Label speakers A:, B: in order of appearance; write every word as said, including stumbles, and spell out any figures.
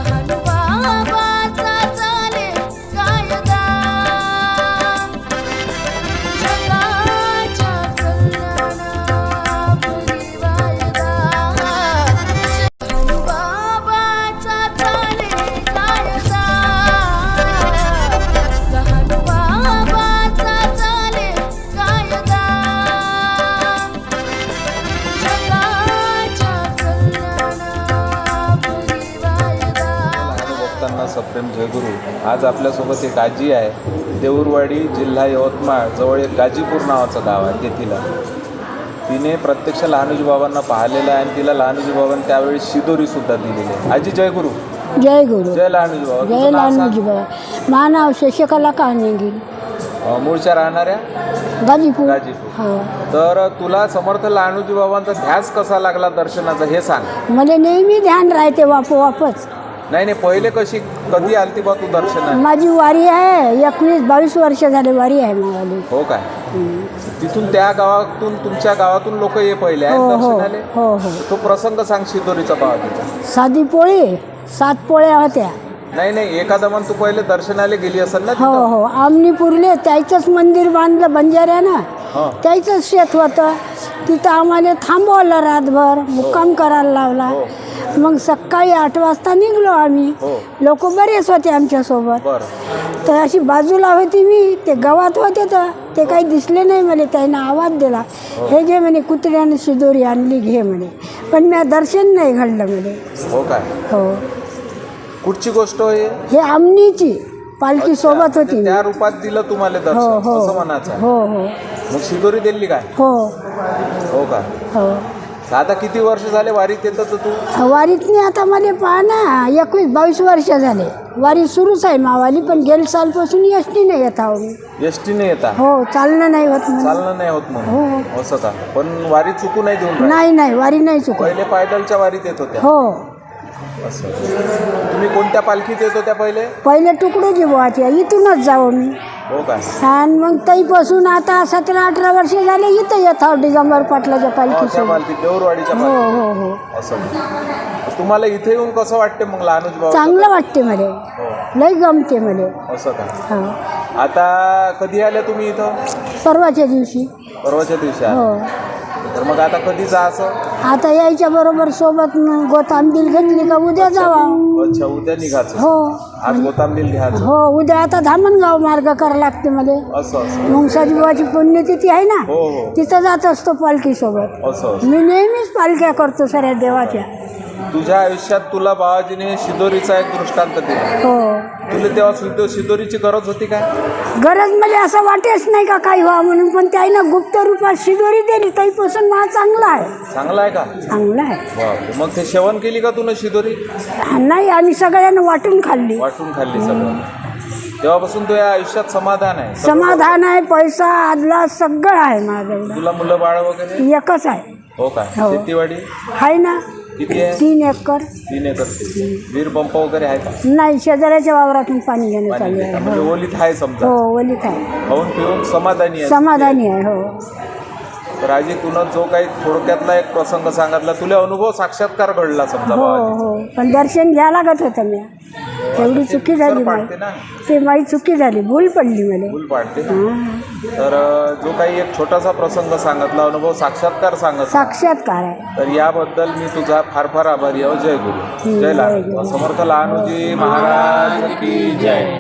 A: सप्रेम जयगुरु। आज आपल्यासोबत एक आजी आहे, देऊरवाडी, जिल्हा यवतमाळ जवळ एक गाजीपूर नावाचं गाव आहे तेथील। तिने प्रत्यक्ष लहानोजी बाबांना पाहिलेलं आहे आणि तिला लहानोजी बाबांनी त्यावेळी शिदोरी सुद्धा दिलेली आहे। आजी जय गुरु।
B: जय गुरु।
A: जय लहानोजी बाबा।
B: जय लहानोजी बाबा। माझं नाव शशिकला कान्हेगिरी,
A: मूळच्या राहणाऱ्या
B: गाजीपूर।
A: गाजीपूर। तर तुला समर्थ लहानोजी बाबांचा ध्यास कसा लागला दर्शनाचा हे सांग।
B: मला नेहमी ध्यान राहते वाप वापस।
A: नाही नाही, पहिले कशी कधी आलती बा तू दर्शनाला?
B: माझी वारी आहे, एकवीस बावीस वर्ष झाले वारी आहे माझी।
A: हो काय? तिथून त्या गावातून तुमच्या गावातून लोक ये पहिले
B: हो, हो,
A: दर्शनाले?
B: हो हो।
A: तो प्रसंग सांग शिदोरीचा बाबाचा।
B: साधी पोळी, सात पोळ्या होत्या।
A: नाही नाही, एखादा मन तू पहिले दर्शनाला गेली असेल ना?
B: हो हो, आमनी पुरले त्याचंच मंदिर बांधलं बंजाऱ्यानं, त्याचंच शेत होतं तिथं। आम्हाला थांबवलं रातभर, मुक्काम करायला लावला। मग सकाळी आठ वाजता निघलो आम्ही, लोक बरेच होते आमच्यासोबत। तर अशी बाजूला होती मी, ते गावात होते तर ते काही दिसले नाही मला। त्यानं आवाज दिला, हे घे म्हणे, कुत्र्याने शिदोरी आणली, घे म्हणे। पण मी दर्शन नाही घडलं म्हणे।
A: हो काय?
B: हो।
A: कुठची गोष्ट आहे
B: हे आमनीची पालखी सोबत होती,
A: त्या रूपात दिलं तुम्हाला दर्शन असं म्हणायचं?
B: हो हो।
A: मग शिदोरी दिली काय?
B: हो
A: हो का?
B: हो।
A: आता किती वर्ष झाले वारीत येतं तू?
B: वारीतनी आता मला पहा ना, एकवीस बावीस वर्ष झाले वारी सुरूच आहे मावाली। पण गेल सालपासून एस टी नाही येत आहो मी।
A: एस टी नाही येता?
B: हो, चालणं नाही होत म्हणून।
A: चालणं नाही होत म्हणून?
B: हो।
A: असं का? पण वारी चुकू नाही देऊन?
B: नाही नाही, वारी नाही चुकत।
A: पहिले पायदलच्या वारीत येत होत्या?
B: हो।
A: असं। तुम्ही कोणत्या पालखीत येत होत्या पहिले?
B: पहिले तुकडोजी बुवाच्या, इथूनच जाऊ मी।
A: हो का?
B: आणि मग तईपासून आता सतरा अठरा वर्ष झाले इथं येत आहो, डिगंबर पाटलाच्या पालखीसोबत।
A: पालखी देऊरवाडीच्या
B: हो हो हो।
A: असं। तुम्हाला इथे येऊन कसं वाटते मग लहानोजी बाबा?
B: चांगलं वाटते मला, लई गमते मला।
A: असं का?
B: हो।
A: आता कधी आल्या तुम्ही इथं?
B: परवाच्या दिवशी।
A: परवाच्या दिवशी?
B: हो।
A: तर मग आता कधी जायचं?
B: आता यायच्या बरोबर सोबत गोतांबील घेतली का उद्या जावा।
A: अच्छा, उद्या निघायचं?
B: हो।
A: आज गोतांबील घ्यायचं?
B: हो, उद्या आता धामणगाव मार्ग करावं लागते मला।
A: असं असं।
B: मुंगसाजी बुवाची पुण्यतिथी आहे ना,
A: हो हो,
B: तिथं जात असतो पालखी सोबत।
A: असं असं।
B: मी नेहमीच पालख्या करतो सगळ्या देवाच्या।
A: तुझ्या आयुष्यात तुला बाबाजीने शिदोरीचा एक दृष्टांत दिला।
B: हो।
A: तुला तेव्हा शिदो शिदोरीची गरज होती काय?
B: गरज मला असं वाटेच नाही का काही व्हा म्हणून, पण त्याईनं गुप्त रूपात शिदोरी दिली, तईपासून मला चांगला आहे।
A: चांगला आहे का?
B: चांगला आहे।
A: बापरे, मग ते सेवन केली का तुला शिदोरी?
B: नाही, आम्ही सगळ्यांना वाटून खाल्ली।
A: वाटून खाल्ली सगळं? तेव्हापासून तुझ्या आयुष्यात समाधान आहे?
B: समाधान आहे, पैसा आदला सगळं आहे माझं।
A: तुला मुलं बाळ वगैरे?
B: एकच आहे।
A: हो का? शेतीवाडी
B: आहे ना,
A: किती आहे?
B: तीन एकर।
A: तीन एकर शेती। वीर पंप वगैरे आहे का?
B: नाही, शेजाऱ्याच्या वावरातून पाणी घेणं चालू आहे।
A: म्हणजे ओलीत आहे समजा?
B: हो, ओलीत आहे।
A: खाऊन पिऊन समाधानी आहे?
B: समाधानी आहे। हो।
A: तर आजी, तुला जो काही थोडक्यातला एक प्रसंग सांगितला, तुला अनुभव साक्षात्कार घडला समजा?
B: हो हो, पण दर्शन घ्या लागत होतं मी, तेवढी चुकी झाली माझी। ते माझी चुकी झाली, भूल पडली मला।
A: भूल पाडते? तर जो काही एक छोटासा प्रसंग सांगितला, अनुभव साक्षात्कार सांगितला,
B: साक्षात्कार आहे,
A: तर याबद्दल मी तुझा फार फार आभारी आहे। जय गुरु। जय लहानोजी। समर्थ लहानोजी महाराज की जय।